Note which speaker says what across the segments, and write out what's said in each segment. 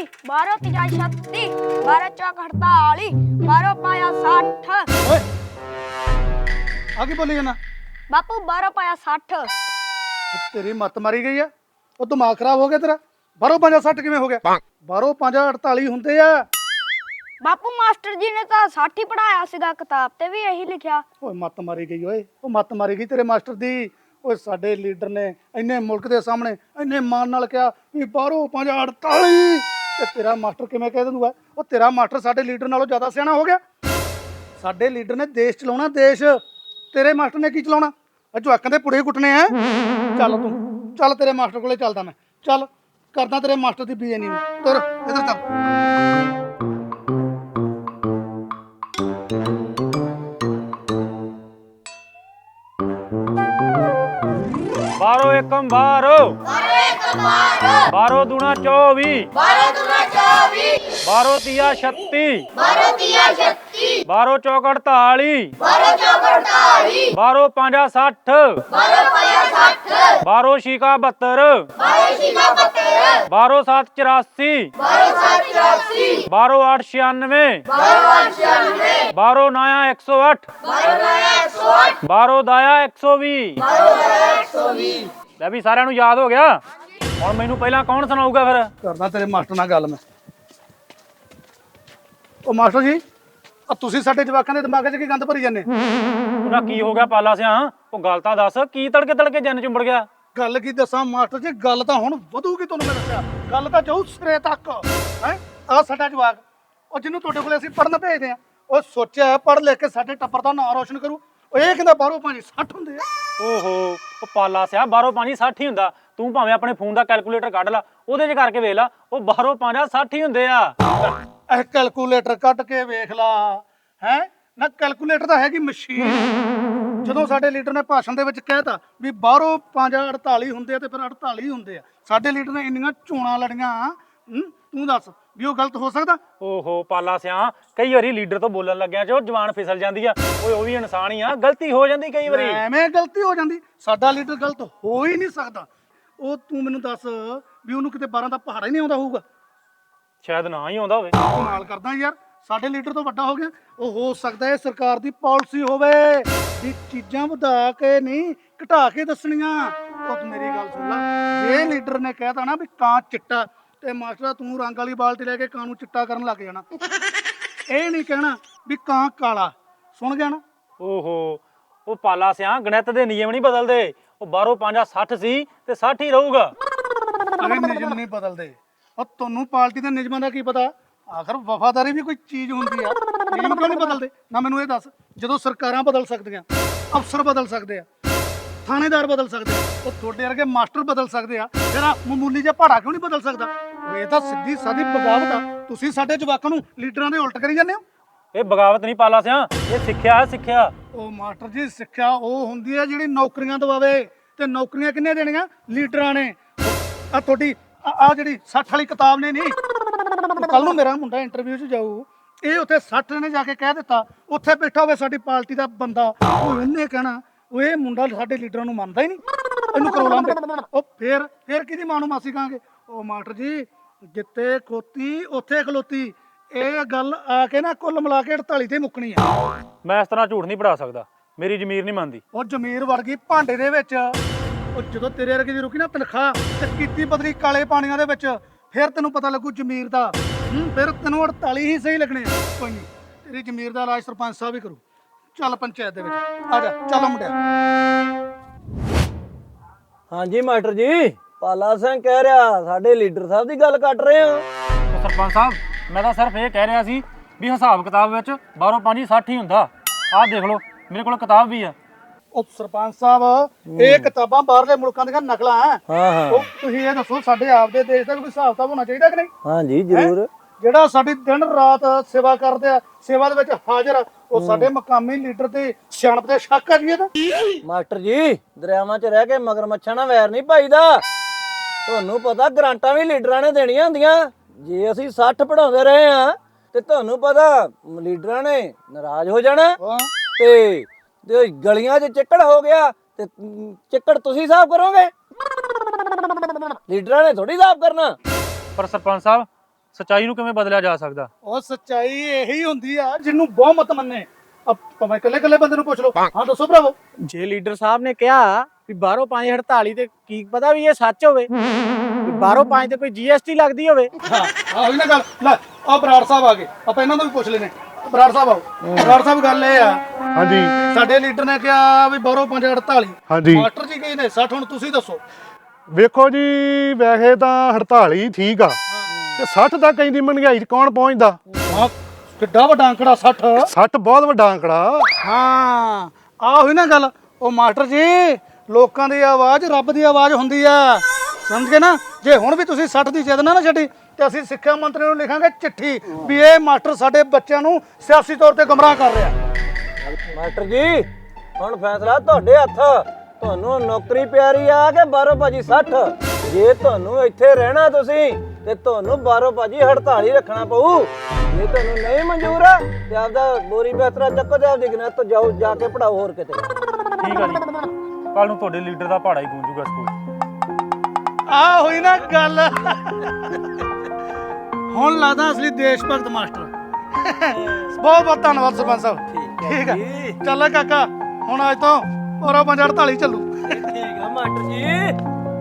Speaker 1: 12 ਤੀਜਾ 36 12 ਚੌਕ 48 12 ਪਾਇਆ 60
Speaker 2: ਓਏ ਆ ਕੀ ਬੋਲੀ ਜਾਣਾ?
Speaker 1: ਬਾਪੂ 12 ਪਾਇਆ 60
Speaker 2: ਤੇਰੀ ਮੱਤ ਮਾਰੀ ਗਈ ਆ। ਉਹ ਦਿਮਾਗ ਖਰਾਬ ਹੋ ਗਿਆ ਤੇਰਾ। ਬਾਹਰੋਂ 5 60 ਕਿਵੇਂ ਹੋ ਗਿਆ? ਬਾਹਰੋਂ 5 48 ਹੁੰਦੇ ਆ।
Speaker 1: ਬਾਪੂ ਮਾਸਟਰ ਜੀ ਨੇ ਤਾਂ 60 ਹੀ ਪੜਾਇਆ ਸੀਗਾ, ਕਿਤਾਬ ਤੇ ਵੀ ਇਹੀ ਲਿਖਿਆ।
Speaker 2: ਓਏ ਮੱਤ ਮਾਰੀ ਗਈ ਓਏ, ਉਹ ਮੱਤ ਮਾਰੀ ਗਈ ਤੇਰੇ ਮਾਸਟਰ ਦੀ। ਓਏ ਸਾਡੇ ਲੀਡਰ ਨੇ ਇੰਨੇ ਮੁਲਕ ਦੇ ਸਾਹਮਣੇ ਇੰਨੇ ਮਾਣ ਨਾਲ ਕਿਹਾ ਵੀ ਬਾਹਰੋਂ 5 48 ਤੇ ਤੇਰਾ ਮਾਸਟਰ ਕਿਵੇਂ ਕਹਿ ਦਿੰਦਾ? ਉਹ ਤੇਰਾ ਮਾਸਟਰ ਸਾਡੇ ਲੀਡਰ ਨਾਲੋਂ ਜ਼ਿਆਦਾ ਸਿਆਣਾ ਹੋ ਗਿਆ। ਸਾਡੇ ਲੀਡਰ ਨੇ ਦੇਸ਼ ਚਲਾਉਣਾ, ਦੇਸ਼। ਤੇਰੇ ਮਾਸਟਰ ਨੇ ਕੀ ਚਲਾਉਣਾ? ਜਵਾਕਾਂ ਦੇ ਪੁੜੇ ਕੁੱਟਣੇ ਆ। ਚੱਲ ਤੂੰ ਚੱਲ, ਤੇਰੇ ਮਾਸਟਰ ਕੋਲੇ ਚੱਲਦਾ ਮੈਂ। ਚੱਲ ਕਰਦਾ ਤੇਰੇ ਮਾਸਟਰ ਦੀ ਬੀਏ ਨਹੀਂ। ਤੁਰ ਇਧਰ ਚੱਲ।
Speaker 3: बारो एकम बारो, बारो दूना 24, बारो तिया 36, बारो चौक 48, बारो पांजा 60, बारो शिका 72, बारो 7 84, बारो 8 96, बारो नाया 108, बारो दाया 120। ਲੈ ਵੀ ਸਾਰਿਆਂ ਨੂੰ ਯਾਦ ਹੋ ਗਿਆ। ਹੁਣ ਮੈਨੂੰ ਪਹਿਲਾਂ ਕੌਣ ਸੁਣਾਊਗਾ ਫਿਰ?
Speaker 2: ਕਰਦਾ ਤੇਰੇ ਮਾਸਟਰ ਨਾਲ ਗੱਲ ਮੈਂ। ਉਹ ਮਾਸਟਰ ਜੀ, ਆ ਤੁਸੀਂ ਸਾਡੇ ਜਵਾਕਾਂ ਦੇ ਦਿਮਾਗ 'ਚ ਕੀ ਗੰਦ ਭਰੀ ਜਾਂਦੇ?
Speaker 3: ਉਹਦਾ ਕੀ ਹੋ ਗਿਆ ਪਾਲਾ ਸਿਆ? ਉਹ ਗੱਲ ਤਾਂ ਦੱਸ, ਕੀ ਤੜਕੇ ਤੜਕੇ ਜੰਨ ਚੁੰਬੜ ਗਿਆ?
Speaker 2: ਗੱਲ ਕੀ ਦੱਸਾਂ ਮਾਸਟਰ ਜੀ, ਗੱਲ ਤਾਂ ਹੁਣ ਵਧੂਗੀ। ਤੁਹਾਨੂੰ ਮੈਂ ਦੱਸਿਆ, ਗੱਲ ਤਾਂ ਜਾਊ ਸਿਰੇ ਤੱਕ। ਹੈ ਆ ਸਾਡਾ ਜਵਾਕ, ਉਹ ਜਿਹਨੂੰ ਤੁਹਾਡੇ ਕੋਲੇ ਅਸੀਂ ਪੜਨ ਭੇਜਦੇ ਆ, ਉਹ ਸੋਚਿਆ ਪੜ ਲਿਖ ਕੇ ਸਾਡੇ ਟੱਬਰ ਦਾ ਨਾਂ ਰੋਸ਼ਨ ਕਰੂ। ਉਹ ਇਹ ਕਹਿੰਦਾ ਬਾਹਰੋਂ 5 60 ਹੁੰਦੇ ਆ।
Speaker 3: ਓਹੋ, ਉਹ ਪਾਲਾ ਸਿਆ ਬਾਹਰੋਂ 5 60 ਹੀ ਹੁੰਦਾ। ਤੂੰ ਭਾਵੇਂ ਆਪਣੇ ਫੋਨ ਦਾ ਕੈਲਕੂਲੇਟਰ ਕੱਢ ਲਾ, ਉਹਦੇ 'ਚ ਕਰਕੇ ਵੇਖ ਲਾ, ਉਹ ਬਾਹਰੋਂ 5 60 ਹੀ ਹੁੰਦੇ ਆ।
Speaker 2: ਇਹ ਕੈਲਕੂਲੇਟਰ ਕੱਢ ਕੇ ਵੇਖ ਲਾ। ਹੈ ਨਾ, ਕੈਲਕੂਲੇਟਰ ਤਾਂ ਹੈਗੀ ਮਸ਼ੀਨ। ਜਦੋਂ ਸਾਡੇ ਲੀਡਰ ਨੇ ਭਾਸ਼ਣ ਦੇ ਵਿੱਚ ਕਹਿਤਾ ਵੀ ਬਾਹਰੋਂ 5 48 ਹੁੰਦੇ ਆ ਤੇ ਫਿਰ 48 ਹੁੰਦੇ ਆ। ਸਾਡੇ ਲੀਡਰ ਨੇ ਇੰਨੀਆਂ ਚੋਣਾਂ ਲੜੀਆਂ। ਤੂੰ ਦੱਸ ਵੀ ਉਹ ਗਲਤ ਹੋ ਸਕਦਾ?
Speaker 3: ਓਹੋ ਪਾਲਾ ਸਿਆ, ਕਈ ਵਾਰੀ ਲੀਡਰ ਤੋਂ ਬੋਲਣ ਲੱਗਿਆ ਜੋ ਜਵਾਨ ਫਿਸਲ ਜਾਂਦੀ ਆ। ਓਏ ਉਹ ਵੀ ਇਨਸਾਨ ਹੀ ਆ, ਗਲਤੀ ਹੋ ਜਾਂਦੀ ਕਈ ਵਾਰੀ।
Speaker 2: ਐਵੇਂ ਗਲਤੀ ਹੋ ਜਾਂਦੀ? ਸਾਡਾ ਲੀਡਰ ਗਲਤ ਹੋ ਹੀ ਨਹੀਂ ਸਕਦਾ। ਉਹ ਤੂੰ ਮੈਨੂੰ ਦੱਸ ਵੀ ਉਹਨੂੰ ਕਿਤੇ 12 ਦਾ ਪਹਾੜਾ ਹੀ ਨਹੀਂ ਆਉਂਦਾ ਹੋਊਗਾ?
Speaker 3: ਸ਼ਾਇਦ ਨਾ ਹੀ ਆਉਂਦਾ ਹੋਵੇ।
Speaker 2: ਕਮਾਲ ਕਰਦਾ ਯਾਰ, ਸਾਡੇ ਲੀਡਰ ਤੋਂ ਵੱਡਾ ਹੋ ਗਿਆ। ਉਹ ਹੋ ਸਕਦਾ ਹੈ ਸਰਕਾਰ ਦੀ ਪਾਲਿਸੀ ਹੋਵੇ ਵੀ ਚੀਜ਼ਾਂ ਵਧਾ ਕੇ ਨਹੀਂ ਘਟਾ ਕੇ ਦੱਸਣੀਆਂ। ਉਹ ਤੂੰ ਮੇਰੀ ਗੱਲ ਸੁਣ ਲੈ, ਜੇ ਲੀਡਰ ਨੇ ਕਹਿਤਾ ਨਾ ਵੀ ਕਾਂ ਚਿੱਟਾ, ਤੇ ਮਾਸਟਰ ਤੂੰ ਰੰਗ ਵਾਲੀ ਬਾਲਟੀ ਲੈ ਕੇ ਕਾਂ ਨੂੰ ਚਿੱਟਾ ਕਰਨ ਲੱਗ ਜਾਣਾ। ਇਹ ਨਹੀਂ ਕਹਿਣਾ ਵੀ ਕਾਂ ਕਾਲਾ। ਸੁਣ ਗਿਆ ਨਾ?
Speaker 3: ਓਹੋ, ਉਹ ਪਾਲਾ ਸਿਆ ਗਣਿਤ ਦੇ ਨਿਯਮ ਨਹੀਂ ਬਦਲਦੇ। ਉਹ ਬਾਹਰੋਂ 5 60 ਸੀ ਤੇ 60 ਹੀ ਰਹੂਗਾ।
Speaker 2: ਅਰੇ ਨਿਯਮ ਨਹੀਂ ਬਦਲਦੇ। ਉਹ ਤੁਹਾਨੂੰ ਪਾਰਟੀ ਦੇ ਨਿਯਮਾਂ ਦਾ ਕੀ ਪਤਾ? ਆਖਰ ਵਫਾਦਾਰੀ ਵੀ ਕੋਈ ਚੀਜ਼ ਹੁੰਦੀ ਆ। ਨਿਯਮ ਕਿਉਂ ਨਹੀਂ ਬਦਲਦੇ? ਨਾ ਮੈਨੂੰ ਇਹ ਦੱਸ। ਜਦੋਂ ਸਰਕਾਰਾਂ ਬਦਲ ਸਕਦੀਆਂ, ਅਫਸਰ ਬਦਲ ਸਕਦੇ ਆ, ਥਾਣੇਦਾਰ ਬਦਲ ਸਕਦੇ ਆ, ਉਹ ਤੁਹਾਡੇ ਵਰਗੇ ਮਾਸਟਰ ਬਦਲ ਸਕਦੇ ਆ, ਫਿਰ ਆਹ ਮਾਮੂਲੀ ਜਿਹਾ ਪਹਾੜਾ ਕਿਉਂ ਨਹੀਂ ਬਦਲ ਸਕਦਾ? ਇਹ ਤਾਂ ਸਿੱਧੀ ਸਾਦੀ ਬਗਾਵਤ ਆ। ਤੁਸੀਂ ਸਾਡੇ ਜਵਾਕਾਂ ਨੂੰ ਲੀਡਰਾਂ ਦੇ ਉਲਟ ਕਰੀ ਜਾਂਦੇ ਹੋ।
Speaker 3: ਇਹ ਬਗਾਵਤ ਨਹੀਂ ਪਾਲਾ ਸਿਆ, ਇਹ ਸਿੱਖਿਆ ਹੈ, ਸਿੱਖਿਆ।
Speaker 2: ਉਹ ਮਾਸਟਰ ਜੀ, ਸਿੱਖਿਆ ਉਹ ਹੁੰਦੀ ਹੈ ਜਿਹੜੀ ਨੌਕਰੀਆਂ ਦਵਾਵੇ। ਤੇ ਨੌਕਰੀਆਂ ਕਿੰਨੇ ਦੇਣੀਆਂ? ਲੀਡਰਾਂ ਨੇ। ਆ ਤੁਹਾਡੀ ਆ ਜਿਹੜੀ 60 ਵਾਲੀ ਕਿਤਾਬ ਨੇ ਨਹੀਂ, ਕੱਲ ਨੂੰ ਮੇਰਾ ਮੁੰਡਾ ਇੰਟਰਵਿਊ 'ਚ ਜਾਊ, ਇਹ ਉੱਥੇ 60 ਨੇ ਜਾ ਕੇ ਕਹਿ ਦਿੱਤਾ, ਉੱਥੇ ਬੈਠਾ ਹੋਵੇ ਸਾਡੀ ਪਾਰਟੀ ਦਾ ਬੰਦਾ, ਉਹਨੇ ਕਹਿਣਾ ਉਹ ਇਹ ਮੁੰਡਾ ਸਾਡੇ ਲੀਡਰਾਂ ਨੂੰ ਮੰਨਦਾ ਹੀ ਨਹੀਂ, ਇਹਨੂੰ ਕਰੋ ਲਾਂਦੇ। ਉਹ ਫੇਰ ਕਿਹਦੀ ਮਾਂ ਨੂੰ ਮਾਸੀ ਕਹਾਂਗੇ? ਉਹ ਮਾਸਟਰ ਜੀ, ਜਿੱਥੇ ਖੋਤੀ ਉੱਥੇ ਖਲੋਤੀ। ਇਹ ਗੱਲ ਆ ਕੇ ਨਾ ਕੁੱਲ ਮਿਲਾ ਕੇ 48 ਤੇ ਮੁੱਕਣੀ ਆ।
Speaker 3: ਮੈਂ ਇਸ ਤਰ੍ਹਾਂ ਝੂਠ ਨਹੀਂ ਪੜਾ ਸਕਦਾ, ਮੇਰੀ ਜ਼ਮੀਰ ਨਹੀਂ ਮੰਨਦੀ।
Speaker 2: ਉਹ ਜ਼ਮੀਰ ਵੜ ਗਈ ਭਾਂਡੇ ਦੇ ਵਿੱਚ। ਉਹ ਜਦੋਂ ਤੇਰੇ ਵਰਗੇ ਦੀ ਰੁਕੀ ਨਾ ਤਨਖਾਹ ਤੇ ਕੀਤੀ ਬਦਲੀ ਕਾਲੇ ਪਾਣੀਆਂ ਦੇ ਵਿੱਚ, ਫਿਰ ਤੈਨੂੰ ਪਤਾ ਲੱਗੂ ਜ਼ਮੀਰ ਦਾ। ਫਿਰ ਤੈਨੂੰ 48 ਹੀ ਸਹੀ ਲੱਗਣੇ ਆ। ਕੋਈ ਨਹੀਂ, ਤੇਰੀ ਜ਼ਮੀਰ ਦਾ ਇਲਾਜ ਸਰਪੰਚ ਸਾਹਿਬ ਹੀ ਕਰੂ। ਚੱਲ ਪੰਚਾਇਤ ਦੇ ਵਿੱਚ ਆ ਜਾ। ਚੱਲ ਮੁੰਡਿਆ।
Speaker 4: ਹਾਂਜੀ ਮਾਸਟਰ ਜੀ, ਪਾਲਾ ਸਿੰਘ ਕਹਿ ਰਿਹਾ ਸਾਡੇ ਲੀਡਰ ਸਾਹਿਬ ਦੀ ਗੱਲ ਕੱਟ ਰਹੇ ਹੋ।
Speaker 3: ਸਰਪੰਚ ਸਾਹਿਬ, ਮੈਂ ਤਾਂ ਸਿਰਫ ਇਹ ਕਹਿ ਰਿਹਾ ਸੀ ਵੀ ਹਿਸਾਬ ਕਿਤਾਬ ਵਿੱਚ ਬਾਹਰੋਂ 5 60 ਹੀ ਹੁੰਦਾ। ਆਹ ਦੇਖ ਲਓ, ਮੇਰੇ ਕੋਲ ਕਿਤਾਬ ਵੀ ਆ।
Speaker 2: ਉਹ ਸਰਪੰਚ ਸਾਹਿਬ, ਇਹ ਕਿਤਾਬਾਂ ਬਾਹਰਲੇ ਮੁਲਕਾਂ ਦੀਆਂ ਨਕਲਾਂ ਆ।
Speaker 4: ਹਾਂ
Speaker 2: ਉਹ ਤੁਸੀਂ ਇਹ ਦੱਸੋ, ਸਾਡੇ ਆਪਦੇ ਦੇਸ਼ ਦਾ ਕੋਈ ਹਿਸਾਬ ਕਿਤਾਬ ਹੋਣਾ ਚਾਹੀਦਾ ਕਿ ਨਹੀਂ?
Speaker 4: ਹਾਂਜੀ ਜ਼ਰੂਰ।
Speaker 2: ਜਿਹੜਾ ਸਾਡੀ ਦਿਨ ਰਾਤ ਸੇਵਾ ਕਰਦੇ ਆ, ਸੇਵਾ ਦੇ ਵਿੱਚ ਹਾਜ਼ਰ ਆ, ਉਹ ਸਾਡੇ ਮਕਾਮੀ ਲੀਡਰ ਤੇ ਸਿਆਣਪ ਦੇ ਸ਼ੱਕ ਆ ਜੀ ਇਹਦਾ।
Speaker 4: ਮਾਸਟਰ ਜੀ, ਦਰਿਆਵਾਂ 'ਚ ਰਹਿ ਕੇ ਮਗਰਮੱਛਾਂ ਨਾਲ ਵੈਰ ਨਹੀਂ ਪਾਈਦਾ। ਤੁਹਾਨੂੰ ਪਤਾ ਗਰਾਂਟਾਂ ਵੀ ਲੀਡਰਾਂ ਨੇ ਦੇਣੀਆਂ ਹੁੰਦੀਆਂ। ਜੇ ਅਸੀਂ 60 ਪੜਾਉਂਦੇ ਰਹੇ ਆ ਤੇ ਤੁਹਾਨੂੰ ਪਤਾ ਲੀਡਰਾਂ ਨੇ ਨਾਰਾਜ਼ ਹੋ ਜਾਣਾ ਤੇ ਗਲੀਆਂ 'ਚ ਚਿੱਕੜ ਹੋ ਗਿਆ ਤੇ ਚਿੱਕੜ ਤੁਸੀਂ ਸਾਫ਼ ਕਰੋਗੇ, ਲੀਡਰਾਂ ਨੇ ਥੋੜੀ ਸਾਫ਼ ਕਰਨਾ।
Speaker 3: ਪਰ ਸਰਪੰਚ ਸਾਹਿਬ, ਸੱਚਾਈ ਨੂੰ ਕਿਵੇਂ ਬਦਲਿਆ ਜਾ ਸਕਦਾ?
Speaker 2: ਉਹ ਸੱਚਾਈ ਇਹੀ ਹੁੰਦੀ ਆ ਜਿਹਨੂੰ ਬਹੁਮਤ ਮੰਨੇ। ਭਾਵੇਂ ਇਕੱਲੇ ਬੰਦੇ ਨੂੰ ਪੁੱਛ ਲਓ। ਹਾਂ ਦੱਸੋ ਭਰਾਵੋ।
Speaker 5: ਜੇ ਲੀਡਰ ਸਾਹਿਬ ਨੇ ਕਿਹਾ ਵੀ ਬਾਹਰੋਂ 548 ਤੇ ਕੀ ਪਤਾ ਵੀ ਇਹ ਸੱਚ ਹੋਵੇ, ਵੀ ਬਾਹਰੋਂ 5 ਤੇ ਕੋਈ GST ਲੱਗਦੀ ਹੋਵੇ।
Speaker 2: ਹਾਂ ਉਹੀ ਨਾ ਗੱਲ। ਲੈ ਆ ਬਰਾੜ ਸਾਹਿਬ ਆ ਗਏ, ਆਪਾਂ ਇਹਨਾਂ ਨੂੰ ਵੀ ਪੁੱਛ ਲੈਨੇ। ਬਰਾੜ ਸਾਹਿਬ ਆਓ। ਬਰਾੜ ਸਾਹਿਬ ਗੱਲ ਇਹ ਆ,
Speaker 6: ਹਾਂਜੀ
Speaker 2: ਸਾਡੇ ਲੀਡਰ ਨੇ ਕਿਹਾ ਵੀ ਬਾਹਰੋਂ 548।
Speaker 6: ਹਾਂਜੀ
Speaker 2: ਮਾਸਟਰ ਜੀ ਕਹੀ ਨੇ 60। ਹੁਣ ਤੁਸੀਂ ਦੱਸੋ।
Speaker 6: ਵੇਖੋ ਜੀ, ਵੈਸੇ ਤਾਂ 48 ਹੀ ਠੀਕ ਆ ਤੇ 60 ਤੱਕ ਇੰਨੀ ਮਹਿੰਗਾਈ 'ਚ ਕੌਣ ਪਹੁੰਚਦਾ?
Speaker 2: ਹਾਂ ਕਿੱਡਾ ਵੱਡਾ ਅੰਕੜਾ 60।
Speaker 6: 60 ਬਹੁਤ ਵੱਡਾ ਅੰਕੜਾ।
Speaker 2: ਹਾਂ ਆ ਹੋਈ ਨਾ ਗੱਲ। ਉਹ ਮਾਸਟਰ ਜੀ, ਲੋਕਾਂ ਦੀ ਆਵਾਜ਼ ਰੱਬ ਦੀ ਆਵਾਜ਼ ਹੁੰਦੀ ਆ, ਸਮਝ ਗਏ ਨਾ। ਜੇ ਹੁਣ ਵੀ ਤੁਸੀਂ 60 ਦੀ ਜਿੱਦ ਨਾ ਛੱਡੀ ਤੇ ਅਸੀਂ ਸਿੱਖਿਆ ਮੰਤਰੀ ਨੂੰ ਲਿਖਾਂਗੇ ਚਿੱਠੀ ਵੀ ਇਹ ਮਾਸਟਰ ਸਾਡੇ ਬੱਚਿਆਂ ਨੂੰ ਸਿਆਸੀ ਤੌਰ ਤੇ ਗੁੰਮਰਾਹ ਕਰ ਰਿਹਾ।
Speaker 4: ਮਾਸਟਰ ਜੀ ਹੁਣ ਫੈਸਲਾ ਤੁਹਾਡੇ ਹੱਥ। ਤੁਹਾਨੂੰ ਨੌਕਰੀ ਪਿਆਰੀ ਆ ਕਿ ਬਾਹਰੋਂ ਭਾਜੀ 60? ਜੇ ਤੁਹਾਨੂੰ ਇੱਥੇ ਰਹਿਣਾ ਤੁਸੀਂ ਤੇ ਤੁਹਾਨੂੰ ਬਾਹਰੋਂ ਭਾਜੀ 48 ਰੱਖਣਾ ਪਊ। ਜੇ ਤੁਹਾਨੂੰ ਨਹੀਂ ਮਨਜ਼ੂਰ ਆ ਤੇ ਆਪਦਾ ਬੋਰੀ ਬਿਸਤਰਾ ਚੱਕੋ ਤੇ ਆਪਦੀ ਗਨਤ ਤੋਂ ਜਾਓ, ਜਾ ਕੇ ਪੜਾਓ ਹੋਰ ਕਿਤੇ।
Speaker 3: ਠੀਕ ਆ ਜੀ, ਕੱਲ ਨੂੰ ਤੁਹਾਡੇ ਲੀਡਰ ਦਾ ਪਹਾੜਾ ਹੀ ਗੂੰਜੂਗਾ ਸਕੂਲ।
Speaker 2: ਆ ਹੋਈ ਨਾ ਗੱਲ। ਹੁਣ ਲੱਗਦਾ ਅਸਲੀ ਦੇਸ਼ ਭਗਤ ਮਾਸਟਰ। ਬਹੁਤ ਬਹੁਤ ਧੰਨਵਾਦ ਸਰਪੰਚ ਸਾਹਿਬ। ਠੀਕ ਆ ਚੱਲ ਕਾਕਾ, ਹੁਣ ਅੱਜ ਤੋਂ ਔਰਾ 548 ਚੱਲੂ।
Speaker 4: ਠੀਕ ਆ ਮਾਸਟਰ ਜੀ।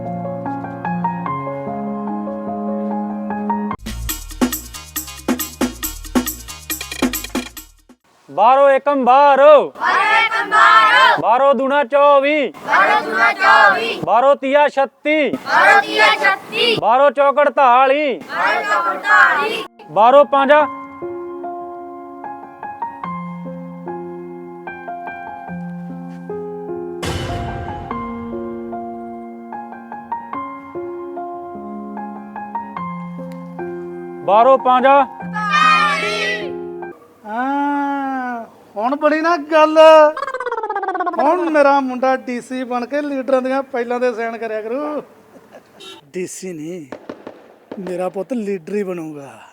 Speaker 3: ਬਾਹਰੋਂ ਏਕਮ ਬਾਹਰੋ, ਬਾਹਰੋਂ ਦੂਣਾ 24, ਬਾਹਰੋਂ ਤੀਆ 36, ਬਾਹਰੋਂ ਚੌਕ 48, ਬਾਹਰੋਂ 5। ਬਾਹਰੋਂ 5।
Speaker 2: ਹਾਂ ਹੁਣ ਬੜੀ ਨਾ ਗੱਲ। ਹੁਣ ਮੇਰਾ ਮੁੰਡਾ ਡੀਸੀ ਬਣ ਕੇ ਲੀਡਰਾਂ ਦੀਆਂ ਪਹਿਲਾਂ ਦੇ ਸਾਈਨ ਕਰਿਆ ਕਰੂ। ਡੀਸੀ ਨਹੀਂ, ਮੇਰਾ ਪੁੱਤ ਲੀਡਰ ਹੀ ਬਣੂਗਾ।